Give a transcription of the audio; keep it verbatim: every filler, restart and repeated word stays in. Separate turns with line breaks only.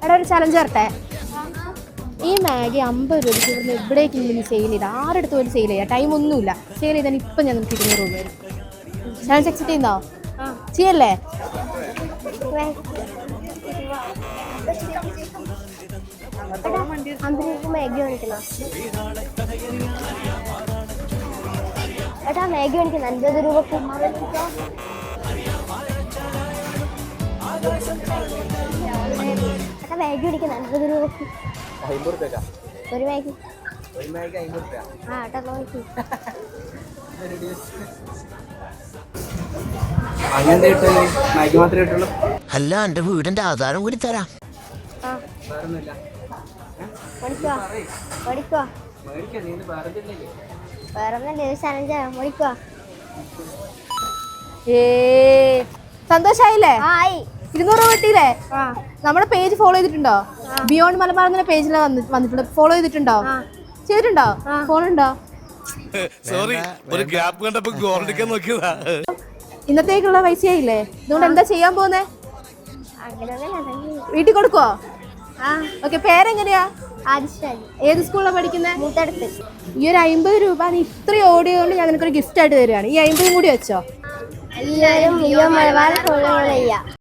എടാ ഒരു ചലഞ്ച് വരട്ടെ. ഈ മാഗി അമ്പത് രൂപയ്ക്ക് ഇവിടുന്ന് എവിടേക്ക് ഇങ്ങനെ സെയിൽ ചെയ്ത് ആരുടെ അടുത്ത് പോലും സെയിൽ ചെയ്യാം, ടൈം ഒന്നുമില്ല. സെയിൽ ചെയ്താൽ ഇപ്പം ഞാൻ നമുക്ക് ഇരുന്നൂറ് രൂപ വരും. ചലഞ്ച് അക്സെപ്റ്റ് ചെയ്യുന്നോ? ചെയ്യല്ലേ?
മാഗി മേടിക്കണം. ഏട്ടാ മാഗി മേടിക്കണം അൻപത് രൂപക്ക്. ഏട്ടാ മാഗി മേടിക്കണം അൻപത് രൂപക്ക്. ഒരു മാഗി ആ ഏട്ടാ നോക്കി.
അല്ല എന്റെ വീടിന്റെ ആധാരം കൂടി തരാം.
സന്തോഷായില്ലേ? ഇരുന്നൂറ് രൂപ കിട്ടിയില്ലേ? നമ്മുടെ പേജ് ഫോളോ ചെയ്തിട്ടുണ്ടോ? ബിയോണ്ട് മലബാർ എന്ന പേജിൽ വന്നിട്ടുണ്ട്. ഫോളോ ചെയ്തിട്ടുണ്ടോ? ചെയ്തിട്ടുണ്ടോ? ഫോളോ ഉണ്ടോ?
സോറി, ഒരു ഗ്യാപ്പ് കണ്ടപ്പോ ഗോൾഡിക്കാൻ നോക്കിയതാ.
ഇന്നത്തേക്കുള്ള പൈസയായില്ലേ? അതുകൊണ്ട് എന്താ ചെയ്യാൻ പോകുന്നേ? വീട്ടിൽ കൊടുക്കുവോ? ഓക്കെ. പേരെങ്ങനെയാ? ഏത് സ്കൂളിലാണ് പഠിക്കുന്നത്?
മൂത്തടുത്ത്.
ഈ ഒരു അമ്പത് രൂപ നീ ഇത്രയും ഓടിയോണ്ട് ഞാൻ നിനക്കൊരു ഗിഫ്റ്റ് ആയിട്ട് തരികയാണ്. ഈ അമ്പതും കൂടി വെച്ചോ.
എല്ലാവരും മലബാർ ഫോളോ ചെയ്യാം.